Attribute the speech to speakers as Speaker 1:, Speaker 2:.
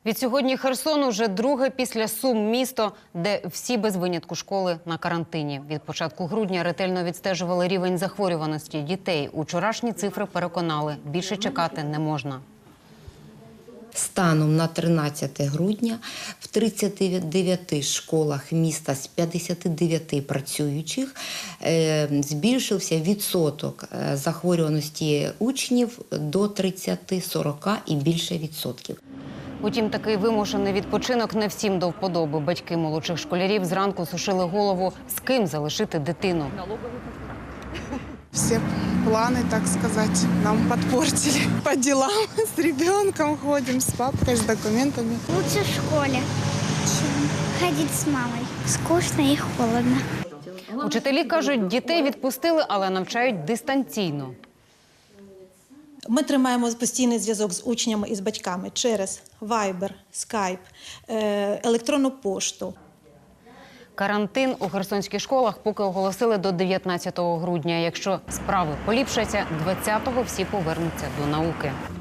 Speaker 1: Відсьогодні Херсон уже друге після Сум місто, де всі без винятку школи на карантині. Від початку грудня ретельно відстежували рівень захворюваності дітей. Учорашні цифри переконали – більше чекати не можна.
Speaker 2: Станом на 13 грудня в 39 школах міста з 59 працюючих збільшився відсоток захворюваності учнів до 30-40 і більше відсотків.
Speaker 1: Утім, такий вимушений відпочинок не всім до вподоби. Батьки молодших школярів зранку сушили голову, з ким залишити дитину.
Speaker 3: Все планы, так сказать, нам подпортили. По делам с ребенком ходим, с папкой, с документами.
Speaker 4: Лучше в школе, чем ходить с мамой. Скучно и холодно.
Speaker 1: Учителі кажуть, дітей відпустили, але навчають дистанційно.
Speaker 5: Ми тримаємо постійний зв'язок з учнями і з батьками через Viber, Skype, електронну пошту.
Speaker 1: Карантин у херсонських школах поки оголосили до 19 грудня. Якщо справи поліпшаться, 20-го всі повернуться до науки.